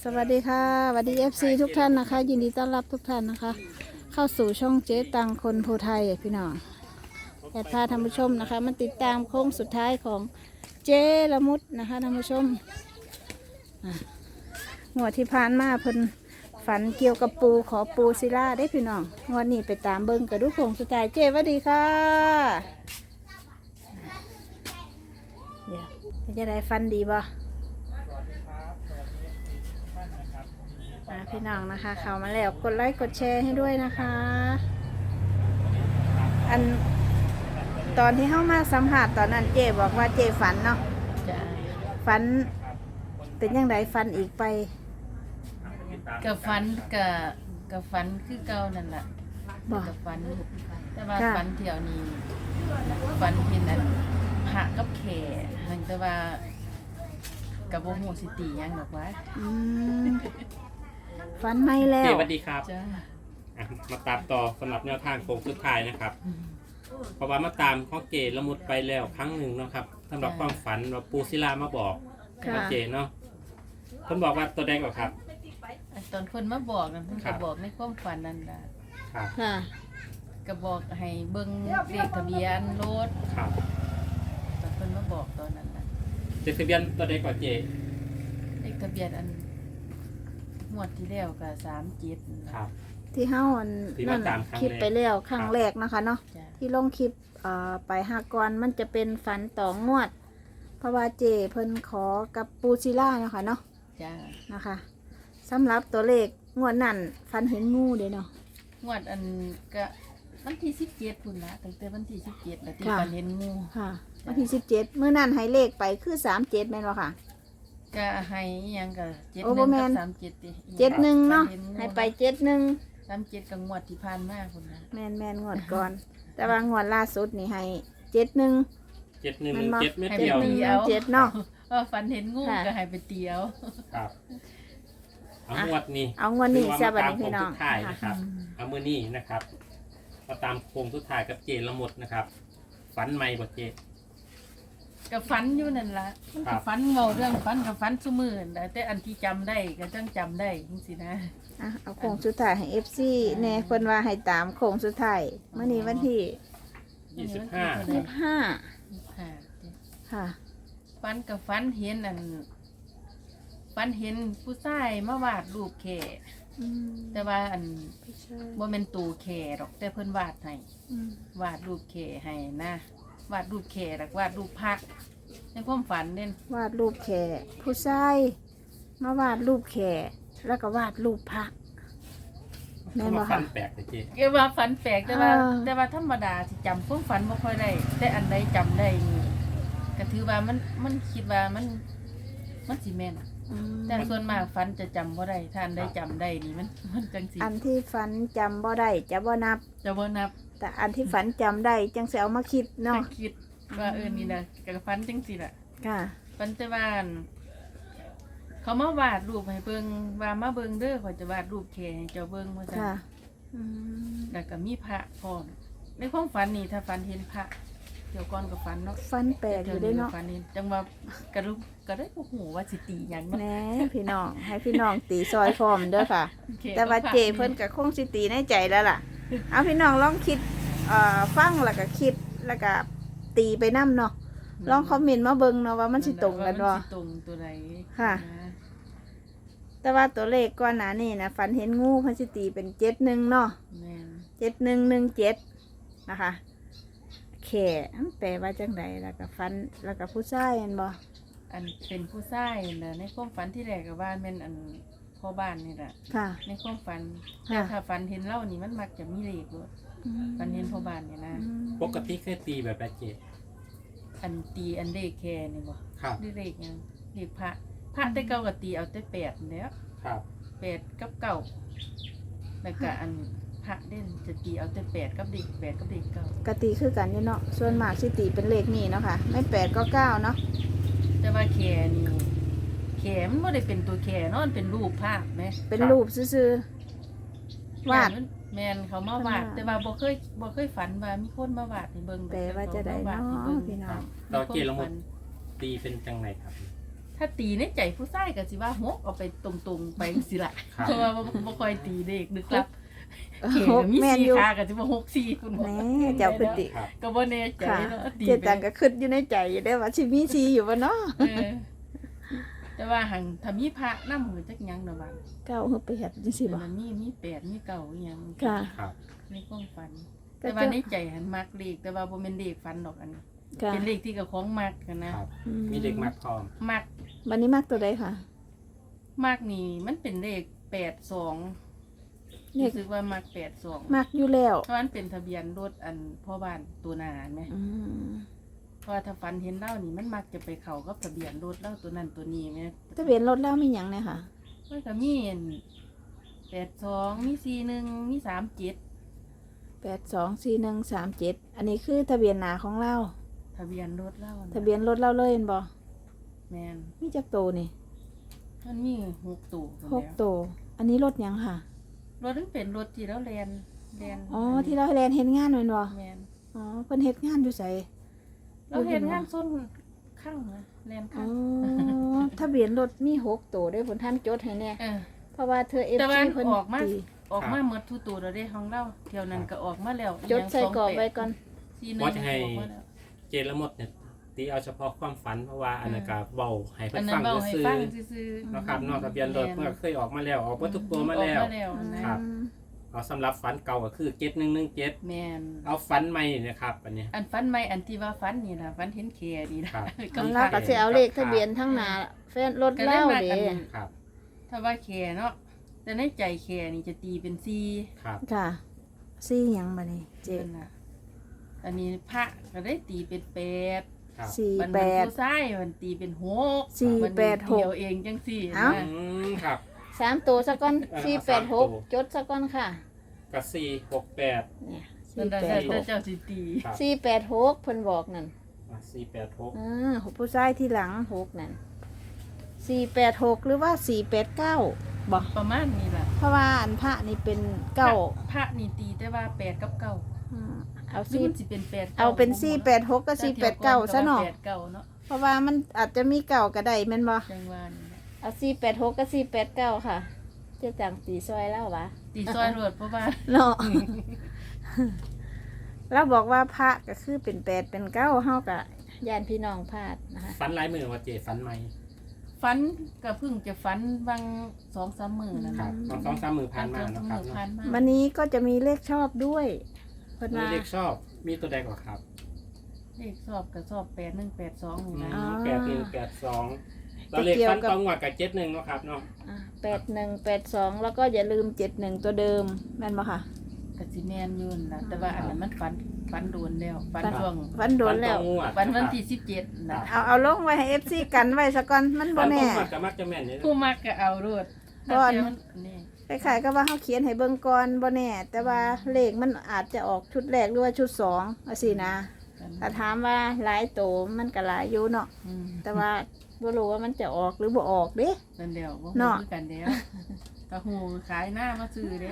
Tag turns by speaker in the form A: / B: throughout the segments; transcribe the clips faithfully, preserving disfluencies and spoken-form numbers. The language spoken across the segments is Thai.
A: สวัสดีค่ะสวัสดี เอฟ ซี ทุกท่านนะคะ ยินดีต้อนรับทุกท่านนะคะ เข้าสู่ช่องเจ๊ตังคนโพไทยพี่น้องแอดพาท่านผู้ชมนะคะมาติดตามโค้งสุดท้ายของเจ๊ละมุดนะคะท่านผู้ชมอ่ะงวดที่ผ่านมาเพิ่นฝันเกี่ยวกับปูขอปูศิลาได้พี่น้องงวดนี้ไปตามเบิ้งกระดูกโค้งสุดท้ายเจ๊สวัสดีค่ะเดี๋ยวจะได้ฟันดีบ่พี่น้องนะคะเข้ามาแล้วกดไลค์กดแชร์ให้ด้วยนะคะอันตอนที่เข้ามาสัมผัสตอนนั้นเจบอกว่าเจฝันเนาะฝันเป็นยังไงฝันอีกไป
B: กับฟันกับกับฟันคือเก่านั่นแหละกับฟันแต่ว่าฟันเที่ยวนี้ฟันเห็นอันหักกับแขนแต่ว่ากับโบโหสิตียังหรอกวะ
A: ฝันไม่แล้ว
C: สวัสดีครับมาตามต่อสำหรับแนวทางโค้งสุดท้ายนะครับเพราะว่ามาตามข้อเกตละมุดไปแล้วครั้งหนึ่งนะครับสำหรับความฝันว่าปูศิลามาบอกข้อเกตเนาะคนบอกว่าตัวแดงกว่าครับ
B: ตอนคนมาบอกนั่นก็บอกในความฝันนั่นแหละก็บอกให้เบิ้งเลขทะเบียนรถตอนคนมาบอกตอนนั้นนะ
C: เลขทะเบียนตัวแดงกว่าเจ
B: เลขทะเบียนอันงวดที่แล้วก็สามเจ็ด
A: ที่เฮ้าอันนั่นคลิปไปแล้วครั้งแรกนะคะเนาะที่ลงคลิปไปหากรมันจะเป็นฝันต่องวดเพราะว่าเจเพิ่นขอกับปูซิล่าเนาะค่ะเนาะนะคะสำหรับตัวเลขงวดนั่นฝันเห็นงูเด้เนาะ
B: งวดอันก็วันที่สิบเจ็ดพุ่นละตั้งแต่วันที่สิบเจ็ดแล้วที่ฝันเห็นงู
A: ค่ะวันที่สิบเจ็ดเมื่อนั่นให้เลขไปคือสามเจ็ดแม่นบ่ค่ะ
B: ก็ให้ยังก็เจ็ดหนึ่งกับสามเจ็ดดิ
A: เจ็ดหนึ่งเนาะให้ไปเจ็ดหนึ่ง
B: สามเจ็ดกับงวดที่ผ่านมาคนนะ
A: แมนแมนงวดก่อนแต่ว่างวดล่าสุดนี่ให้เจ็ดหนึ่ง
C: เจ็ดหนึ่งเจ็ดไม่
A: เดียวเจ็ด
B: เนาะว่าฝันเห็นงูก็ให้ไปเตียว
C: ครับเอางวดนี้
A: เอางวดนี้ซะบัดนี้พี่น้อง
C: นะครับเอามือนี้นะครับมาตามโค้งสุดท้ายกับเจละมุดนะครับฝันใหม่บ่เจ
B: กับฟันอยู่นั่นละมันกับฟันเมาเรื่องฟันกับฟันสมือแต่อันที่จำได้ก็จังจำได้จริงๆนะ
A: อ่ะเอาโค้งสุดท้ายให้ เอฟ ซี แน่คนว่าให้ตามโค้งสุดท้ายเมื่อนี้วันที่
C: ยี่สิบห้า
A: ยี่สิบห้าค่ะ
B: ฟันกับฟันเห็นอันฟันเห็นผู้ชายมาวาดรูปแข่แต่ว่าอันบ่เป็นตูแข่หรอกแต่เพิ่นวาดให้วาดรูปแข่ให้นะวาดรูปแขกวาดรูปพระในความฝันเด่น
A: วาดรูปแขกผู้ชายมาวาดรูปแขกแล้วก็วาดรูปพระ
C: แม่นบ่ค่ะฝันแปลกเลยจี
B: เกี่ยวกับฝันแปลกแต่ว่าแต่ว่าธรรมดาที่จำความฝันไม่ค่อยได้แต่อันใดจำได้นี่ก็ถือว่ามันมันคิดว่ามันมันสิแม่นแต่ส่วนมากฝันจะจำบ่ได้ถ้าอันใดจำได้นี่มันมันจังสิ
A: อันที่ฝันจำบ่ได้จะบ่นับ
B: จะบ่นับ
A: แต่อันที่ฝันจำได้จังเสียเอามาคิดเนาะ
B: คิดว่าเออนี่นะกับฝันจังสิล่ะ
A: ค่ะ
B: ฝันจะวาดเขามาวาดรูปให้เบิ่งว่ามาเบิ่งเด้อเขาจะวาดรูปแขให้เจ้าเบิ่งว่าซั่นแล้วก็มีพระพร้อมในความฝันนี่ถ้าฝันเห็นพระเดี๋ยวก่อนกับฝันเนาะ
A: ฝันแปลกอยู่ได้เนาะ
B: ฝันเห็นจังว่ากระลุกก็ได้บ่ฮู้ว่าสิตีหยังเนาะ
A: แหน่พี่น้องให้พี่น้องตีซอยพร้อมเด้อค่ะแต่ว่าเจเพิ่นก็คงสิตีในใจแล้วล่ะเอาพี่น้องลองคิดฟังแล้วก็คิดแล้วก็ตีไปน้ำเนาะลองคอมเมนต์มาเบิ่งเนาะว่ามันสิตรงกันบ่
B: ตรงตัวไหน
A: ค่ะแต่ว่าตัวเลขก่อนหน้านี้นะฝันเห็นงูเพิ่นสิตีเป็นเจ็ดหนึ่งเนาะเจ็ดหนึ่งหนึ่งเจ็ดนะคะแข่แปลว่าจังไดแล้วก็ฝันแล้วก็ผู้ชายเห็นบ่
B: อันเป็นผู้ชายนะในความฝันที่แรกกับบ้านเป็นอันพ่อบ้านนี่แหละในความฝันแต่ถ้าฝันเห็นเล่านี่มันมักจะมีเลขด้วยฝันเห็นพ่อบ้านเนี่ยนะ
C: ปกติเคยตีแบบแบบเจ็ด
B: อันตีอันเลขแค่นี่บ่ด้วยเลขยังเลขพระพระแต่เก้ากับตีเอาแต่แปดแล้วแปดกับเก้าแล้วก็อันพระเด่นจะตีเอาแต่แปดกับเด็กแปดกับเด็กเก้าก
A: ตีคือกันอยู่เนาะส่วนมากสิตีเป็นเลขนี่เนาะค่ะไม่แปดก็เก้าเนาะ
B: แต่ว่าแค่นี่แค่มันไม่ได้เป็นตัวแค่เนาะมันเป็นรูปภาพไหม
A: เป็นรูปซื่อๆวาด
B: แมนเขามาวาดแต่ว่าบ่เคยบ่เคยฝันว่ามีคนมาวาดให้เบิ่ง
A: แต่ว่าจะได้เนาะพี่น้อง
C: เราเจลมุดตีเป็นจังไหนครับ
B: ถ้าตีในใจผู้ชายก็สิว่าหกเอาไปตรงๆไปสิล่ะ
C: ครับ
B: เพราะว่าบ่บ่ค่อยตีเด็กนึกลับเข
A: ห
B: ก็
A: ก
B: มี
A: แม่น
B: สี่
A: อยู่
B: ขาก็สิว่าหกสี่คุณ
A: แหน่เจ้าคือติ
C: ครับ
B: ก็บ่แน่ใจ
A: ค่ะ
B: เนาะตี
A: เจ๊
B: ไป
A: ตังก็คิดอยู่ในใจอยู่ได้อว่าสิมีสีอยู่บ่เนาะ
B: เออแต่ว่าหังถ้ามีพระนำมือจักหยังดอกว่า
A: เก้าเฮาไปเฮ็ดจังซี่บ่
B: มันมีมีแปดมีเก้าอีหยัง
A: ค่ะ
C: ครับ
B: ในความฝัน
A: ก็
B: แต่ว่า
A: จะ
B: ในใจหันมักเลขแต่ว่าบ่แม่นเลขฝันดอกอันนี้
A: ค่ะ
B: เป็นเลขที่กับของมักกันนะครับ
A: อื
C: มีเด็กมัดพร้อม
B: มัก
A: บัดนี้มักตัวใดค่ะ
B: มักนี่มันเป็นเลขแปดสอง
A: เลข
B: รู้สึกว่ามักแปดสอง
A: มักอยู่แล้ว
B: เพราะมันเป็นทะเบียนรถอันพ่อบ้านตัวหนาไหม
A: อืม
B: เพราะว่าถ้าฝันเห็นเล่านี่มันมักจะไปเข้ากับทะเบียนรถเล่าตัวนั้นตัวนี้ไหม
A: ทะเบียนรถแล้วมีหยังเนี่ยค่ะ
B: มันก็มีแปดสองมีสี่หนึ่งมีสามเจ็ด
A: แปดสองสี่หนึ่งสามเจ็ดอันนี้คือทะเบียนหนาของเรา
B: ทะเบียนรถเล่านะ
A: ทะเบียนรถเราเลยเห็นบ่
B: แมน
A: มีจักโตนี่
B: มันมีหกตัวพุ่น
A: หก
B: แล้ว
A: โตอันนี้รถหยังค่ะ
B: รถนั้นเป็นรถที่เราแลนแลน
A: อ๋อที่เราให้แลนเฮ็ดงานแม่นบ่
B: แมน
A: อ๋อเพิ่นเฮ็ดงานอยู่ไส
B: เราเห็นงานส้นข้างนะแลน
A: อ๋
B: ข้าง
A: อทะเบียนรถมีหกโตได้ผลท่านจดให้แน่
B: เออ
A: เพราะว่าเธอ เอฟ
B: แต่ว่า
A: ซีเพิ่น
B: ออกมา
A: ตี
B: ออกมาหมดทุกตัวเราได้ของเราเที่ยวนั้นก็ออกมาแล้ว
A: จดใส่กรอบไว้ก่อน
B: สี่หนึ่ง
C: ว่าจะให้
B: ออกมาแล้ว
C: เจละหมดเนี่ยตีเอาเฉพาะความฝันเพราะว่าอันนั้นก็เบาให้เพิ่
B: อัน
C: น
B: นั้
C: ฟั
B: น
C: ง
B: เบาให้
C: ซื่อ
B: ฟัง
C: ๆ
B: ซื่อ
C: เนาะครับนอกทะเบียนรถเมื่อเคยออกมาแล้วออกมาทุกตัว
B: ๆ
C: มาแล้ว
B: ออกมาแล้วนะครับ
C: เอาสำหรับฝันเก่าก็คือเจ็ดหนึ่งหนึ่งเจ็ด
B: แมน
C: เอาฝันใหม่นี่นะครับอันเนี้ย
B: อันฟันไม่อันที่ว่าฟันนี่นะฟันเห็นเคนี่นะครับ ก็
A: อัน
B: ฟั
A: เรา
B: น
A: ก็สิเอาเลขทะเบียนทั้งหน้าแฟนรถ
B: ก็ได้
A: เล่า
B: มา
A: เด้
B: อัน
C: ครับ
B: ถ้าว่าเคเนาะแต่ในใจเคนี่จะตีเป็นซี
C: ครับ
A: ค่ะซี่หยังบัดนี้เจ็
B: เจ็
A: ด
B: ดนะอันนี้พระก็ได้ตีเป็นแปด
C: ครับ
A: สี่
B: มัน
A: แป
B: เป็น
A: ด
B: ผู้ชายมันตีเป็นหก
A: สี่
B: มัน
A: แปดหก
B: เดียวเองจังสี่
A: เอ้า
B: นะ
C: อืมครับ
A: สามตัวซะก่อน
C: เออ
A: สี่แปดหก
C: สามตัว
A: จดซะก่อนค่ะ
C: กับสี่หกแปด
A: เนี่ย
B: นั่
A: สี่
B: นแต่
A: แปดหก
B: เจ้าสิตี
C: ครับ
A: สี่แปดหกเพิ่นบอกนั่น
C: สี่แปดหก
A: อ่าผู้ชายที่หลังหกนั่นสี่แปดหกหรือว่าสี่แปดเก้าบอก
B: ประมาณนี้ล่ะ
A: เพราะว่าอันพระนี่เป็นเก้า
B: พระนี่ตีแต่ว่าแปดกับเก้า
A: อ่าเอา
B: หรือ
A: สี่
B: มันสิเป็นแปด
A: เอาเป็นสี่แปดหกกับสี่แปดเก้าซะหน่อย
B: แปดเก้าเนาะ
A: เพราะว่ามันอาจจะมีเก่าก็ได้แม่นบ่
B: จังหวะนี้นะ
A: เอาสี่แปดหกกับสี่แปดเก้าค่ะเจะจังตีซอยแล้ววะ
B: ตีซอยรวดเพราะว่า
A: เนาะ เราบอกว่าพระก็คือเป็นแปดเป็นเก้าเฮากับญาติพี่น้องพลาดนะคะ
C: ฝันหลายมือว่าเจฝันใหม่
B: ฟันก็เพิ่งจะฟันบางสองสามมือนะ
C: ครั
B: คะ
C: บสองสองสามมือผ่านมา
B: สอ
C: เนาะ
B: ง
C: ครับ
B: มือ
C: เนาะ
B: ผ่านมา
A: วันนี้ก็จะมีเลขชอบด้วยเพิ่น
C: มี
A: ว่า
C: เลขชอบมีตัวใดก่อนครับ
B: เลขสอบกับสอบแปดหนึ่งแปดสองนี่นะ
C: แปดหนึ่งแปดสองเราเลขฝันตองหวัดกับเจ็ดหนึ่งเนาะครับเนาะ
A: แปดหนึ่งแปดสองแล้วก็อย่าลืมเจ็ดหนึ่งตัวเดิมแม่นบ่ค่ะ
B: กสิแมนอยืนนะแต่ว่าอันนั้นมันฟันฟันโดนแล้วฟัน
A: ฟัน
B: ช่วง
A: วันโดนแล้ว
C: ฝัตองหวัด
B: วันวัน
C: นะครับ
B: ที่สิบเจ็ดนะ
A: เอาเอาลงไว้ให้ เอฟ ซี กันไว้ซะก่อนมันบ่
C: ฝันตอ
A: แน่
C: งหวัดกับมักจะแม่นเนี่ย
B: ผู้มักก็เอารวด
A: ก่อน
B: ถ้าเที่ยวมันี่
A: คล้ายๆก็ว่าเฮาเขียนให้เบิ่งก่อนบ่แน่ แต่ว่าเลขมันอาจจะออกชุดแรกหรือว่าชุดสองจังซี่นะถ้าถามว่าหลายโตมันก็หลายอยู่เนาะ
B: อืม
A: แต่ว่าบ่รู้ว่ามันจะออกหรือบ่ออกเด้
B: นั่นเดียวว่า
A: เนาะ
B: คือกันเดียวกระหูขายหน้ามาซื้อเด้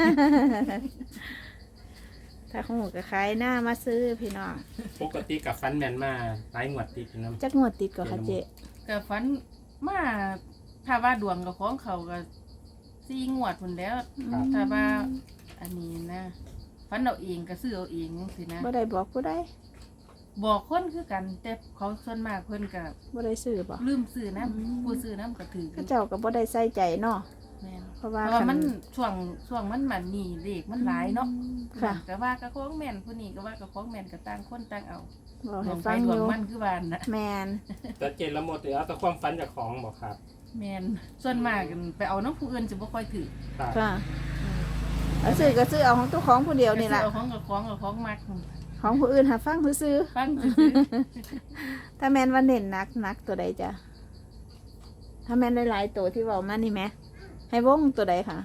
A: ถ้าของหมูก็ขายหน้ามาซื้อพี่น้อง
C: ปกติกับฟันแมนมาหลายงวดติดนะ
A: จักงวดติดก็ค่ะเจ๊
B: ก็ฝันมาถ้าว่าดวงกับของเขาก็สี่งวดพุ่นแล้ว ถ้าว่าอันนี้นะฝันเอาเองก็ซื้อเอาเองสินะ
A: บ่ได้บอกผู้ใด
B: บอกคนคือกัน แต่เขาส่วนมากเพิ่นก็
A: บ่ได้ซื้อบ่
B: ลืมซื้อน้
A: อืม
B: ำผู้ซื้อน้ำก็ถือ
A: เขาเจ้าก็บ่ได้ใส่ใจเนาะ
B: แม่น
A: เพราะ
B: เพ
A: ว่า
B: ราะว่า
A: คั
B: มันช่วงช่วงมันมันนี่เด็กมันหลายเนาะ
A: ค่ะ
B: ก็ว่ากับของแม่นผู้นี้ก็ว่ากับของแม่นก็ต่างคนต่างเอา
A: บอก
B: ด
A: ให้
B: วงไป
A: ฟัง
B: ด
A: อ
B: วง
A: ยู่
B: มันคือบ้านนะ
A: แมน
C: แต่เจนละหมดเดี๋ยวเอาแต่ความฝันจากของบอกครับ
B: แม่นส่วนมากไปเอาน้ำผู้อื่นสิบ่ค่อยถือ
C: ครับ
A: ค่ะเอาซื้อก็ซื้อเอาของตัวของผู้เดียวนี่ล่ะ
B: เอาของกับของกับของมัก
A: ของผู้อื่นหาฟังผู้ซื้อ
B: ฟังซื่อ
A: ถ้าแมนว่าเน้นหนักหนักตัวใดจ้ะถ้าแมนหลายๆตัวที่เว้ามานี่แหมให้วงตัวใดค่ะ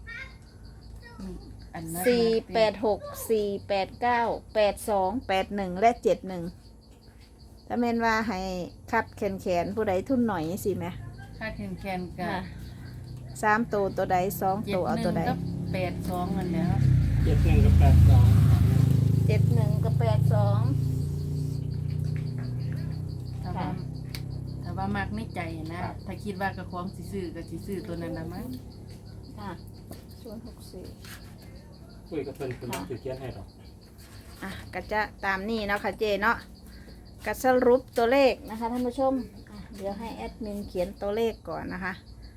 B: ๆอันนั้น
A: สี่แปดหกสี่แปดเก้าแปดสองแปดหนึ่งและเจ็ดหนึ่งถ้าแมนว่าให้คัดแขนแขนผู้ใดทุนหน่อยสิไหม
B: ค่าแคนแคนๆก็
A: สามตัวตัวใดสอง
B: เจ็ด
A: ตัวเอา
B: หนึ่
A: ตัว
B: ง
A: ใด
B: กับแปดสองอันเนี้ย
C: เจ็ดหนึ่งกับแปดสอง
A: เจ็ดหนึ่งกับแปดสอง
B: ถ้าว่าถ้าว่าว่ามักในใจนะครับ ถ้าคิดว่ากระของสิซื้อก็สิซื้อตัวนั้นน่ะมั้ง
A: ค่ะศูนย์หกสี่
C: คุยกับเพิ่นคุณถือเขียนให้หรอก
A: อ่ะก็จะตามนี้เนาะค่ะเจเนาะก็สรุปตัวเลขนะคะท่านผู้ชมอ่ะเดี๋ยวให้แอดมินเขียนตัวเลขก่อนนะคะ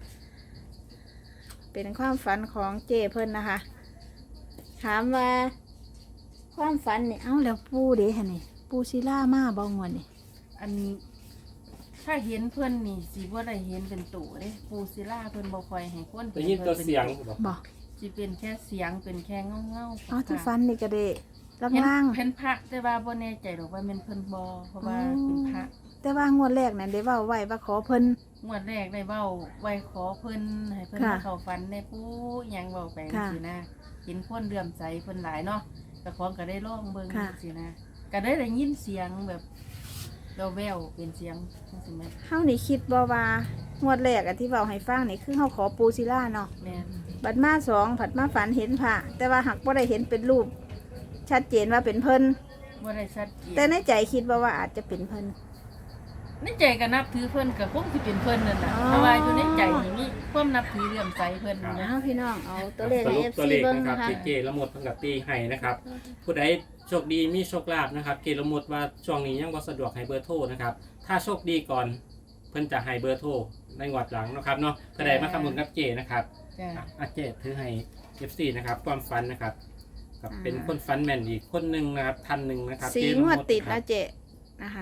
A: เป็นความฝันของเจเพิ่นนะคะ ถามว่าความฝันนี่เอ้าแล้วปูเด้ฮะนี่ปูศิลามาบ่งวนนี่
B: อันถ้าเห็นเพิ่นนี่สิบ่ได้เห็นเป็นตัวเด้ปูศิลาเพิ่นบ่ค่อยให้คน
C: ได้ยินตัวเสียงบอก
A: บ่
B: สิเป็นแค่เสียงเป็นแค่เงาๆ
A: อ๋อที่ฝันนี่ก็เด้
B: เห็น
A: ล่าง
B: เห็นพระแต่ว่าบ่แน่ใจหรอกว่าแม่นเพิ่นบ่เพราะว่าเป็นพระ
A: ๆแต่ว่างวดแรกนั่นได้เว้าไว้ว่าขอเพิ่น
B: งวดแรกได้เว้าไว้ขอเพิ่นให้เพิ่น
A: ค่ะ
B: มาเข้าฝันในปู่หยังเว้าไป
A: ค่ะ
B: สินะเห็นคนเลื่อมใสเพิ่นหลายเนาะแต่ของก็ได้ลองเบิ่ง
A: ค่ะ
B: สินะก็ได้ได้ยินเสียงแบบแว่วๆเป็นเสียงจังซี่แม่น
A: เฮานี่คิดบ่ว่างวดแรกอะที่เว้าให้ฟังนี่คือเฮาขอปูศิลาเนาะ
B: แม่น
A: บัดมาสองผัดมาฝันเห็นพระแต่ว่าหักบ่ได้เห็นเป็นรูป ชัดเจนว่าเป็นเพิ่น
B: บ่ได้ชัดเจน
A: แต่ในใจคิดว่าว่าอาจจะเป็นเพิ่น
B: ในใจก็นับถือเพิ่นก็คงสิเป็นเพิ่นนั่นน่ะ
A: อ๋อ
B: เพราะว่าอยู่ในใจนี่มีความนับถือเลื่อมใสเพิ่นนะ
A: เอาพี่น้องเอาตัวเลข
C: ส
A: ให้
C: รุป
A: เอฟ
C: ตัว
A: ซี
C: เลข
A: เบิ่ง
C: นะครับ
A: นะคะ
C: ที่เกละหมดเพิ่นกับตีให้นะครับ ผู้ใดโชคดีมีโชคลาภนะครับ เกละหมดว่าช่วงนี้ยังบ่สะดวกให้เบอร์โทรนะครับ ถ้าโชคดีก่อนเพิ่นจะให้เบอร์โทรในงวดหลังนะครับเนาะถ้าใดมาทำบุญกับเจนะครับ
B: จ้ะ
C: อ่ะอาเจถือให้ เอฟ ซี นะครับความฝันนะครับกับเป็นคนฝันแม่นอีกคนหนึ่งนะครับท่านหนึ่งนะครับ
A: สี
C: เจ
A: งวด
C: ละม
A: ติด
C: ครั
A: นะ
C: บ
A: เจนะคะ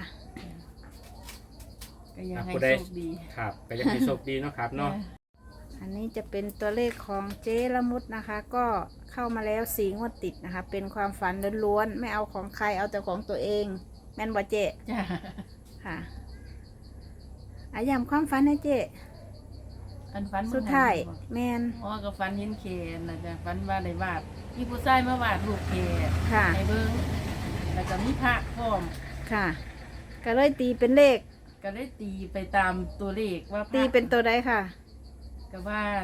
B: ก็ยังให้
C: ผู้ใด
B: โชคดี
C: ครับก็ยังให้โชคดีเนาะครับเนาะ
A: อันนี้จะเป็นตัวเลขของเจละมุดนะคะ ก็เข้ามาแล้วสีงวดติดนะคะ เป็นความฝันล้วนๆไม่เอาของใครเอาแต่ของตัวเอง แม่นบ่เจ
B: จ้ะ
A: ค่ะอายามความฝันนะเจ
B: อันฝัน
A: สุดท้าย
B: บ่
A: แมน
B: อ๋อก็ฝันเห็นเคนนะจ๊ะฝันว่าได้วาดมีผู้ชายมาวาดรูปเคน
A: ค่ะ
B: ให้เบิ่งแล้วก็มีพระพร้อม
A: ค่ะ ก็เลยตีเป็นเลข
B: ก็ได้ตีไปตามตัวเลขว่าพระ
A: ตีเป็นตัวใดค่ะ
B: ก็ว่าอัน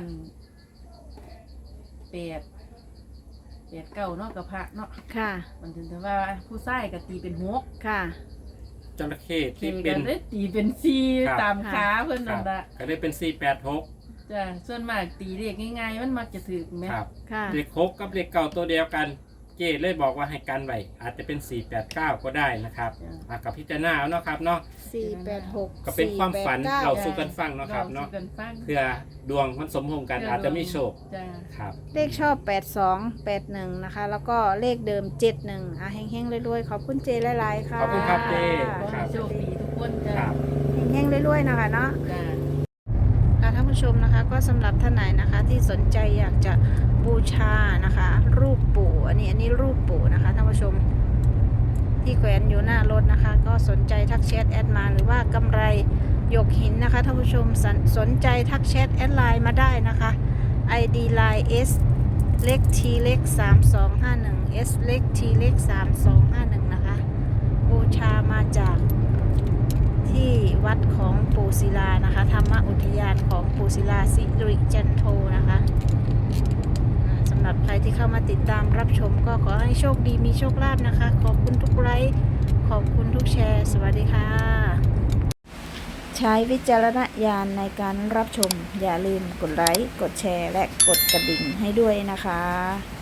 B: แปดแปดเก้าเนาะกับพระเนาะ
A: ค่ะ
B: มันถึงแต่ว่าผู้ชายก็ตีเป็นหก
A: ค่ะ
C: จระเข้
B: เค
C: ที่
B: ก็
C: เป็น
B: ได้ตีเป็นสี่
C: ครับ
B: ตามขาเพิ่น
C: ครั
B: นั่น
C: บ
B: ละ
C: ก็ได้เป็นสี่แปดหก
B: จ้ะส่วนมากตีเลขง่ายๆมันมักจะถือไหม
C: ครับ
A: ค่ะ
C: เลขหกกับเลขเก่าตัวเดียวกัน เจเลยบอกว่าให้กันไว้อาจจะเป็นสี่แปดเก้าก็ได้นะครับ
B: จ้ะ
C: อ่ะกับพิจารณาเอาเนาะครับเนาะ
A: สี่แปดหก
C: ก็เป็นความฝัน
A: สี่แปดเก้า
C: เราสู่กันฟังเนาะครับเนาะ
B: สู่กันฟัง
C: เพื่อดวงมันสมพงษ์กันอาจจะมีโชค
B: จ้ะ
C: ครับ
A: เลขชอบแปดสองแปดหนึ่งนะคะ แล้วก็เลขเดิมเจ็ดหนึ่งอ่ะเฮงๆรวยๆขอบคุณเจหลายๆค่ะ
C: ขอบคุณครับเจ
B: ขอ
C: ครั
B: ให้
C: บ
B: โชคดีทุกคนจ้ะ
C: ครับ
A: เฮงๆรวยๆนะคะเนาะ
B: จ้ะ
A: ค่ะท่านผู้ชมนะคะก็สำหรับท่านไหนนะคะที่สนใจอยากจะบูชานะคะ รูปปู่อันนี้อันนี้รูปปู่นะคะท่านผู้ชมที่แขวนอยู่หน้ารถนะคะ ก็สนใจทักแชทแอดมาหรือว่ากำไรหยกหินนะคะท่านผู้ชมสนสนใจทักแชทแอดไลน์มาได้นะคะ ไอ ดี ไลน์ S เล็ก T เล็กสามสองห้าหนึ่ง S เล็ก T เล็กสามสองห้าหนึ่งนะคะบูชามาจากที่วัดของปู่ศิลานะคะธรรมอุทยานของปู่ศิลาสิริจันโทนะคะอ่าสำหรับใครที่เข้ามาติดตามรับชมก็ขอให้โชคดีมีโชคลาภนะคะ ขอบคุณทุกไลค์ขอบคุณทุกแชร์ สวัสดีค่ะ ใช้วิจารณญาณในการรับชม อย่าลืมกดไลค์กดแชร์และกดกระดิ่งให้ด้วยนะคะ